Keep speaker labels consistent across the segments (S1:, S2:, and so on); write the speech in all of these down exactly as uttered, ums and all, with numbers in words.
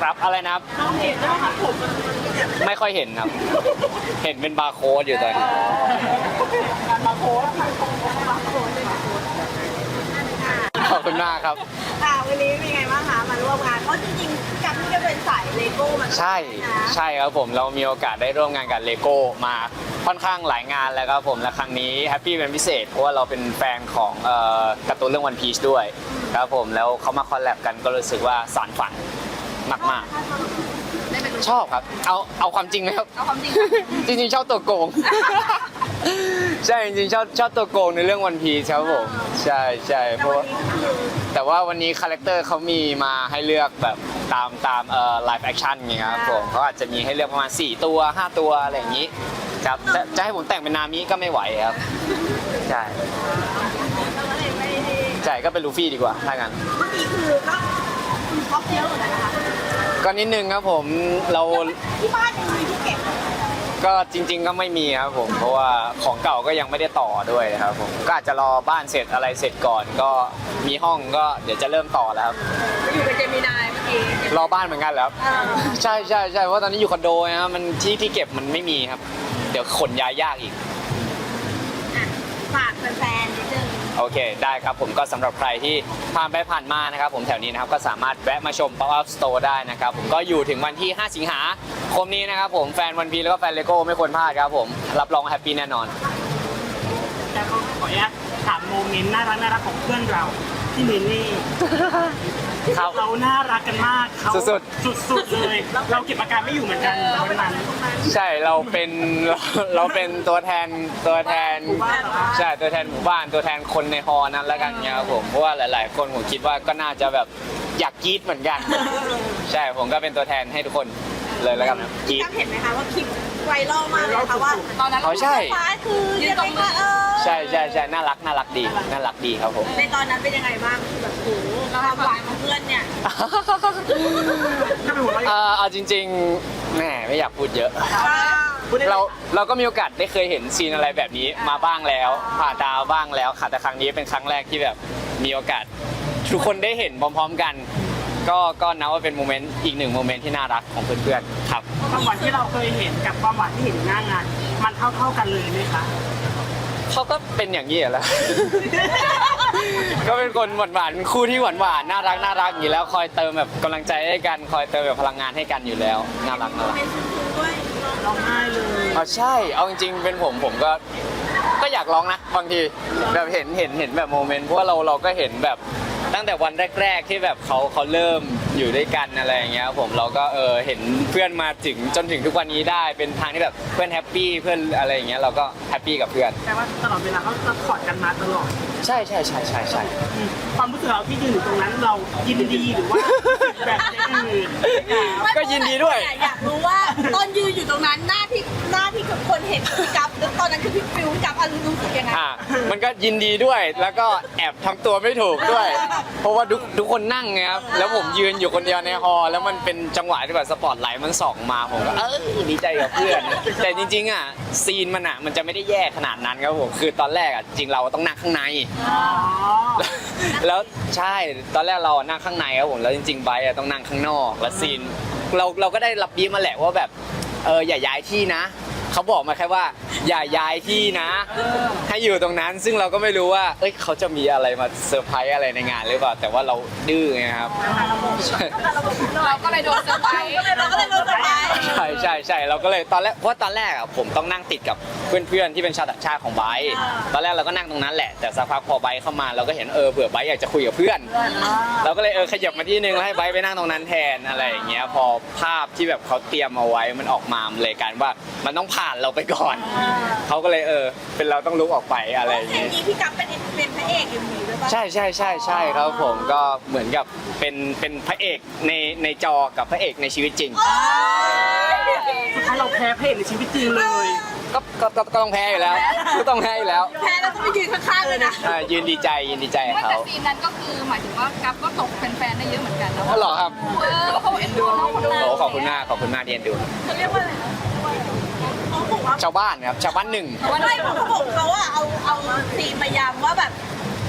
S1: ครับอะไรนะครับ
S2: น้องเห็นนะคะผม
S1: ไม่ค่อยเห็นครับ เห็นเป็นบาร์โค้ดอยู่ตอนนี้
S2: การมาโพสทางตรงมาโพสเลยมาโพส
S1: ขอบคุณมากครับ
S2: ค่ะวันนี้เป็นไงบ้างคะมาร่วมงานเพราะจริงๆการที่จะเป็นสายเลโก้มัน
S1: ใช่ใช่ครับผมเรามีโอกาสได้ร่วมงานกับเลโก้มาค่อนข้างหลายงานแล้วครับผมและครั้งนี้แฮปปี้เป็นพิเศษเพราะว่าเราเป็นแฟนของเอ่อการ์ตูนเรื่องวันพีชด้วยครับผมแล้วเขามาคอลแลบกันก็รู้สึกว่าสานฝันมากๆชอบครับเอาเอาความจริงไหมครับ
S2: เอาความจริง
S1: จริงๆชอบตัวโกง ใช่จริงๆชอบชอบตัวโกงในเรื่องวันพีชครับผมใช่ใช่เพราะว่าแต่ว่าวันนี้คาแรคเตอร์เขามีมาให้เลือกแบบตามตามเอ่อไลฟ์แอคชั่นไงครับผมเขาอาจจะมีให้เลือกประมาณสี่ตัวห้าตัวอะไรอย่างนี้ครับจะจะให้ผมแต่งเป็นนามิก็ไม่ไหวครับใช่ใช่ก็เป็นลูฟี่ดีกว่าถ้างั้น
S2: เมื่อกี้คือก็คุณท็อปเยอะเหมือนกันนะคะ
S1: ก็นิดนึงครับผมเรา
S2: ที่บ้านยังมีที่เก็บ
S1: ก็จริงๆก็ไม่มีครับผมเพราะว่าของเก่าก็ยังไม่ได้ต่อด้วยครับผมก็อาจจะรอบ้านเสร็จอะไรเสร็จก่อนก็มีห้องก็เดี๋ยวจะเริ่มต่อแล้วครับ
S2: อยู่กับเจมินายเมื่อกี้
S1: รอบ้านเหมือนกันแล้วใช่ใช่ใช่เพราะตอนนี้อยู่คอนโดนะมันที่ที่เก็บมันไม่มีครับ เดี๋ยวขนย้ายยากอีก
S2: ฝากแฟนๆนิดนึง
S1: โอเคได้ครับผมก็สำหรับใครที่ผ่านไปผ่านมานะครับผมแถวนี้นะครับก็สามารถแวะมาชม Pop Up Store ได้นะครับผมก็อยู่ถึงวันที่ห้าสิงหาคมนี้นะครับผมแฟนวันพีแล้วก็แฟนเลโก้ไม่ควรพลาดครับผมรับรองแฮปปี้แน่นอน
S3: แล้วก็ขออนุญาตถามโมเมนต์น่ารักน่ารักของเพื่อนเราที่เมเน่
S1: ครับ
S3: เราน่ารักกันมากเขา
S1: สุด
S3: สุดๆเลย เราเก็บอาการไม่อยู่เหมือนกันวันนั้น
S1: ใช่เราเป็นเราเราเป็นตัวแทนตัวแทน
S3: หมู่บ้านเหรอคะ
S1: ใช่ตัวแทนหมู่บ้านตัวแทนคนในฮอนั้นแล้วกันเนี่ยครับผมเพราะว่าหลาย ๆ คนผมคิดว่าก็น่าจะแบบอยากกรี๊ดเหมือนกัน ใช่ผมก็เป็นตัวแทนให้ทุกคนเลยแล้วกันนะกรี๊ด
S2: จำเห็นไหมคะว่าคลิปไวรัลมากเลยค่ะว่าตอนนั้น
S1: อ๋อใช่
S2: ฟ้าคือยังไงคะเออ
S1: ใช่ใช่ใช่น่ารักน่ารักดีน่ารักดีครับผม
S2: ในตอนนั้นเป็นยังไงบ้างคือแบบโอ้โหความหวานของเพื่อนเนี่ย
S3: ถ้าเป็นหัวเราะ
S1: เอ่อเอาจริงๆแหมไม่อยากพูดเยอะ
S3: พูดได้
S1: เราเราก็มีโอกาสได้เคยเห็นซีนอะไรแบบนี้มาบ้างแล้วผ่านตาบ้างแล้วค่ะแต่ครั้งนี้เป็นครั้งแรกที่แบบมีโอกาสทุกคนได้เห็นพร้อม ๆ กัน ก็ก็นับว่าเป็นโมเมนต์อีกหนึ่งโมเมนต์ที่น่ารักของเพื่อนๆครับ
S3: ความหวานที่เราเคยเห็นกับความหวานที่เห็นหน้างาน มันเท่าเท่าๆกันเลยไหมคะ
S1: เขาก็เป็นอย่างนี้แหละ ก็เป็นคนหวานๆคู่ที่หวานๆน่ารักน่ารักอยู่แล้วคอยเติมแบบกำลังใจให้กันคอยเติมแบบพลังงานให้กันอยู่แล้วน่ารักน่ารัก
S2: เป็นซึ้งๆด้วย
S3: ร้องไห้เลย
S1: อ๋อใช่เอาจริงๆเป็นผมผมก็ก็อยากร้องนะบางทีแบบเห็นเห็นเห็นแบบโมเมนต์เพราะว่าเราเราก็เห็นแบบตั้งแต่วันแรกๆที่แบบเขาเขาเริ่มอยู่ด้วยกันอะไรอย่างเงี้ยผมเราก็เออเห็นเพื่อนมาถึงจนถึงทุกวันนี้ได้เป็นทางที่แบบเพื่อนแฮปปี้เพื่อนอะไรอย่างเงี้ยเราก็แฮปปี้กับเพื่อน
S3: แต่ว่าตลอดเวลาเขาจะกอดกันมาตลอด
S1: ใช่ใช่ใช่ใช่ใช่
S3: อืมความรู้สึกเราที่ยืนอยู่ตรงนั้นเรายินดีหรือว่าแบบอื่น
S1: ก็ยินดีด้วย
S2: อยากรู้ว่าตอนยืนอยู่ตรงนั้นหน้าที่หน้าที่คนเห็นพี่กัฟแล้วตอนนั้นคือพี่ฟิวพี่กัฟอารมณ์รู้สึกยังไง
S1: อ่ะมันก็ยินดีด้วยแล้วก็แอบทำตัวไม่ถูกด้วย เพราะว่าทุกทุกคนนั่งไงครับแล้วผมยืนอยู่คนเดียวในฮอลล์แล้วมันเป็นจังหวะที่แบบสปอตไลท์มันส่องมาผมก็เออดีใจกับเพื่อน แต่จริงๆอ่ะซีนมันอ่ะมันจะไม่ได้แย่ขนาดนั้นครับผมคือตอนแรกอ่ะจริงเราต้องนั่งข้างใน
S3: อ๋อ
S1: แล้วใช่ตอนแรกเรานั่งข้างในครับผมแล้วจริงๆไบร์ทอะต้องนั่งข้างนอกแล้วซีนเราเราก็ได้รับบีฟมาแหละว่าแบบเอออย่าย้ายที่นะเขาบอกมาแค่ว่าอย่าย้ายที่นะ ให้อยู่ตรงนั้นซึ่งเราก็ไม่รู้ว่าเอ้ยเขาจะมีอะไรมาเซอร์ไพรส์อะไรในงานหรือเปล่าแต่ว่าเราดื้อไงครับ
S2: เราก็เลยโดนเซอร์ไพรส์เราก็เลยโดนเซอร์ไพรส์
S1: ใช่ใช่ใช่เราก็เลยตอนแรกเพราะว่าตอนแรกอ่ะผมต้องนั่งติดกับเพื่อนๆที่เป็นชาวต่างชาติของไบร์ทตอนแรกเราก็นั่งตรงนั้นแหละแต่สักพักพอไบร์ทเข้ามาเราก็เห็นเออเผื่อไบร์ทอยากจะคุยกับเพื่อน เราก็เลยเออขยับมาที่นึงแล้วให้ไบร์ทไปนั่งตรงนั้นแทนอะไรอย่างเงี้ยพอภาพที่แบบเขาเตรียมเอาไว้มันออกมามันเลยกลารว่ามันต้องผ่านเราไปก่อนเขาก็เลยเออเป็นเราต้องลุกออกไปอะไรอย่าง
S2: ซีน
S1: เงี้ย
S2: นี้พี่กัฟเป็นเป็นพระเอกอยู่มีด้วยป่ะ
S1: ใช่ใช่ใช่ใช่ครับผมก็เหมือนกับเป็นเป็นพระเอกในในจอกับพระเอกในชีวิตจริง
S3: สุดท้ายเราแพ้เพศในชีวิตจริงเลย
S1: ก็ก็ก็ก็ต้องแพ้อยู่แล้วก็ต้องแพ้อยู่แล้ว
S2: แพ้แล้วก็ไปยืนข้างๆเลยนะ
S1: อ่ายืนดีใจยืนดีใจกับ
S4: แต่
S1: เขา
S4: ซีนนั้นก็คือหมายถึงว่ากัฟก็ตกแฟนๆได้เยอะเหมือนกันนะ
S1: ก็หรอครับ
S4: เออเขาเอ็นดูน้องคนนั้น
S1: โอ้ขอบคุณมากขอบคุณมากที่เอ็นดู
S2: เขาเรียกว่าอะไรนะเขาบอกว่า
S1: ชาวบ้านครับชาวบ้านหนึ่ง
S2: ไม่เขาบอกเขาอะเอาเอาซีนพยายามว่าแบบ เขา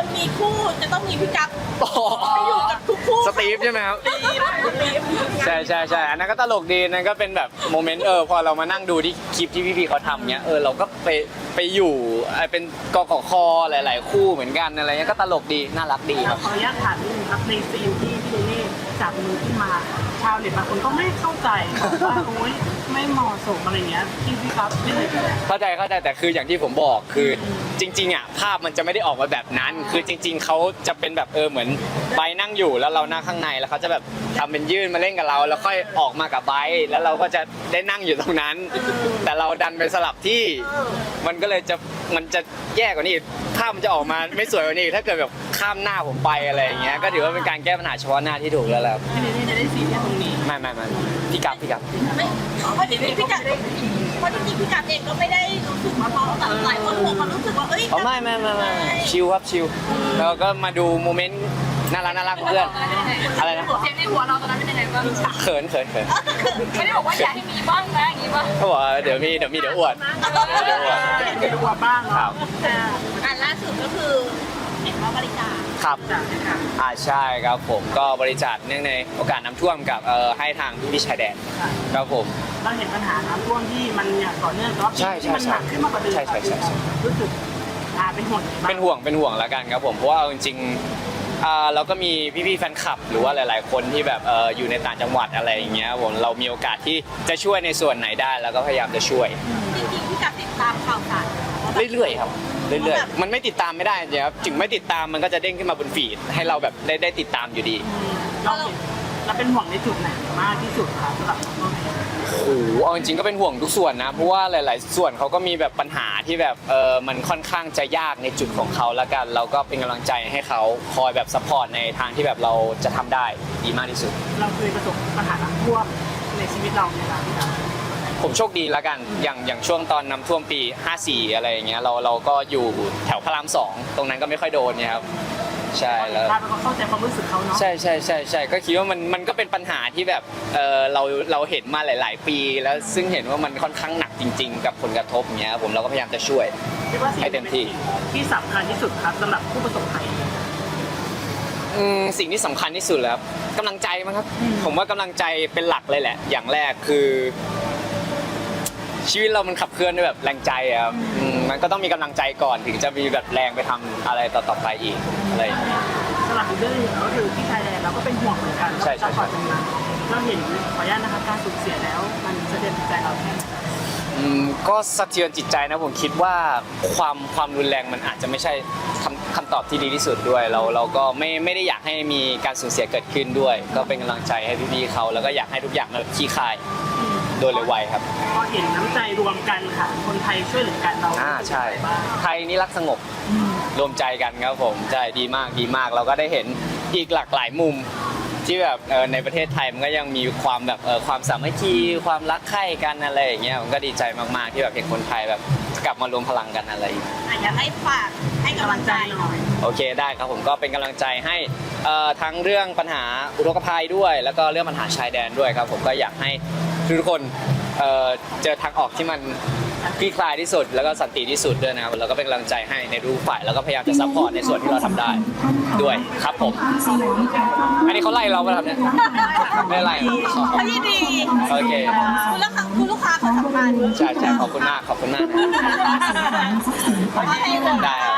S2: คนมีคู่จะต้องมีพี่กั๊บ
S1: โอ้โห
S2: ไปอยู่กับทุกคู่
S1: สตีฟใช่ไหมครับ ใช่ใช่ใช่อันนั้นก็ตลกดีนั่นก็เป็นแบบโมเมนต์เออพอเรามานั่งดูที่คลิปที่พี่ๆเขาทำเนี้ยเออเราก็ไปไปอยู่ไอ้เป็นกกคหลาย ๆ คู่เหมือนกันอะไรเงี้ยก็ตลกดีน่ารักดีครับ
S3: ขออนุญาตถามนิดนึงครับในซีนที่พี่เนเน่จับมือขึ้นมาชาวเน็ตบางคนก็ไม่เข้าใจบอกว่าโอ๊ยไม่เหมาะสมอะไรเงี้ยพี่พี่ครับพี่เลย
S1: เข้าใจเข้าใจแต่คืออย่างที่ผมบอกคือจริงๆอ่ะภาพมันจะไม่ได้ออกมาแบบนั้น คือจริง ๆเขาจะเป็นแบบเออเหมือนไบร์ทนั่งอยู่แล้วเรานั่งข้างในแล้วเขาจะแบบทำเป็นยื่นมาเล่นกับเรา แล้วค่อยออกมากับไบร์ทแล้วเราก็จะได้นั่งอยู่ตรงนั้น แต่เราดันไปสลับที่ มันก็เลยจะมันจะแย่กว่านี้อีกภาพมันจะออกมาไม่สวยกว่านี้อีกถ้าเกิดแบบข้ามหน้าผมไปอะไรอย่างเงี้ยก็ถือว่าเป็นการแก้ปัญหาเฉพาะหน้าที่ถูกแล้วแหละ
S3: พี่เนเน่จะได้ซีนแค่ตรงนี้
S1: ไม่ไม่ไม่พี่กับพี่กับ
S2: ไม่เพราะจริงๆพี่กั๊บเพราะจริงๆพี่กั๊บเองก็ไม่ได้รู้สึกว่าเพราะแต่หลายคนคงมารู้สึกว่าเอ้ย
S1: อ๋อไม่ไม่ไม่ไม่ชิลครับชิลแล้วก็มาดูโมเมนต์น่ารักน่ารักของเพื่อนอะไรนะ
S4: เสียงในหัวเราตอนนั้นเป็นยังไงบ้าง
S1: เขินเขินเขิน
S4: ไม่ได้บอกว่าอยากให้มีบ้างนะอย่างนี้ป่ะ
S1: เขาบอกว่าเดี๋ยวมีเดี๋ยวมีเดี๋ยวอวดเดี๋ยวอวด
S3: จะดูว่าบ้าง
S1: ครั
S3: เนาะ
S1: บ
S2: อ่าอันล่าสุดก็คือเห็นว่าบริจาค
S1: ครับ
S3: จากนี้ค่ะ
S1: อ่าใช่ครับผมก็บริจาคเนื่องในโอกาสน้ำท่วมกับเอ่อให้ทางพี่ชายแดนครับผม
S3: เราเห็นปัญหาน้ำท่วมที่มันอย่างต่อเนื่องแต่ว่า
S1: ใช่ใช่
S3: ที่มันหนักขึ้นมากกว่าเดิม
S1: ใช่ใช่ใช่ใช่
S3: รู้สึกอ่าเป็นห่วงบ้าง
S1: เป็นห่วงเป็นห่วงแล้วกันครับผมเพราะว่าเอาจริงๆอ่าเราก็มีพี่ๆแฟนคลับ หรือว่าหลาย ๆ คนที่แบบเอออยู่ในต่างจังหวัดอะไรอย่างเงี้ยผมเรามีโอกาสที่จะช่วยในส่วนไหนได้แล้วก็พยายามจะช่วย
S2: จริงๆพี่กั๊บติดตามข่าวสาร
S1: เรื่อยๆครับเรื่อยๆมันไม่ติดตามไม่ได้เดี๋ยวถึงไม่ติดตามมันก็จะเด้งขึ้นมาบนฟีดให้เราแบบได้ได้ติดตามอยู่ดี
S3: เราเห็นเราเป็นห่วงในจุดไหนมากที่สุดครับสำหรับน้องเน
S1: โอ้โหเอาจริงๆก็เป็นห่วงทุกส่วนนะเพราะว่าหลาย ๆ ส่วนเขาก็มีแบบปัญหาที่แบบเออมันค่อนข้างจะยากในจุดของเขาแล้วกัน เราก็เป็นกำลังใจให้เขาคอยแบบซัพพอร์ตในทางที่แบบเราจะทำได้ดีมากที่สุด
S3: เราเคยประสบปัญหาน้ำท่วมในชีวิตเราไหมครับพี่ครับ
S1: ผมโชคดีแล้วกันอย่างอย่างช่วงตอนน้ำท่วมปีห้าสี่อะไรอย่างเงี้ยเราเราก็อยู่แถวพระรามสองตรงนั้นก็ไม่ค่อยโดนเนี่ยครับใช่แล้ว
S3: เราก็เข้าใจความรู้สึกเขาเนาะ
S1: ใช่ใช่ใช่ใช่ก็คิดว่ามันมันก็เป็นปัญหาที่แบบเออเราเราเห็นมาหลาย ๆ ปี แล้วซึ่งเห็นว่ามันค่อนข้างหนักจริง ๆ กับผลกระทบอย่างเงี้ยผมเราก็พยายามจะช่วย
S3: คิดว่าสิ่ง
S1: ให้เต็มที่
S3: ที่สำคัญที่สุดครับสำหรับผู้ประสบภัย
S1: อืมสิ่งที่สำคัญที่สุดแล้วครับกำลังใจมั้งครับ ผมว่ากำลังใจเป็นหลักเลยแหละ อย่างแรกคือ ชีวิตเรามันขับเคลื่อนด้วยแบบแรงใจอะครับอืมมันก็ต้องมีกำลังใจก่อนถึงจะมีแบบแรงไปทำอะไรต่อๆไปอีกอะไรอย่างเงี้ย
S3: สำหรับอีกเรื่องหนึงก็คือที่ไทยแลนด์เราก็เป็นห่วงเหมือนกัน
S1: ใช่ใช่ใช่
S3: เราตรงนั้นเราเห็นขออนุญาตนะคะการสูญเสียแล้วมันสะเทือนจิตใจเราแค่ไหน
S1: อืมก็สะเทือนจิตใจนะผมคิดว่าความความรุนแรงมันอาจจะไม่ใช่คำคำตอบที่ดีที่สุดด้วย เราเราก็ไม่ไม่ได้อยากให้มีการสูญเสียเกิดขึ้นด้วย ก็เป็นกำลังใจให้พี่ๆเขาแล้วก็อยากให้ทุกอย่างมันคลี่คลายโดยเร็วไวครับ
S3: พอเห็นน้ำใจรวมกันค่ะ คนไทยช่วยเหลือกันเรา
S1: อ่าใช่
S3: บ้าง
S1: ไทยนี่รักสงบรวมใจกันครับผมใช่ดีมากดีมาก เราก็ได้เห็นอีกหลากหลายมุม ที่แบบเออในประเทศไทยมันก็ยังมีความแบบเออความสามัคคีความรักใคร่กันอะไรอย่างเงี้ยผมก็ดีใจมากๆที่แบบเห็นคนไทยแบบกลับมารวมพลังกันอะไรอย่างเงี้ย
S2: อยากให้ฝากให้กำลังใจหน่อย
S1: โอเคได้ครับผมก็เป็นกำลังใจให้เอ่อทั้งเรื่องปัญหาอุทกภัยด้วย แล้วก็เรื่องปัญหาชายแดนด้วยครับผมก็อยากให้ทุกคนเอ่อเจอทางออกที่มันคลี่คลายที่สุด แล้วก็สันติที่สุดด้วยนะครับแล้วก็เป็นกำลังใจให้ในทุกฝ่ายแล้วก็พยายามจะซัพพอร์ตในส่วนที่เราทำได้ด้วยครับผมอันนี้เขาไล่เราไปทำเนี่ยไม่ไล่
S2: เขายินดี
S1: โอเค
S2: คุณลูกค้าคุณลูกค้าเขาสำคัญ
S1: ใช่ใช่ขอบคุณมากขอบคุณมาก
S2: โอเค
S1: ได้ครับ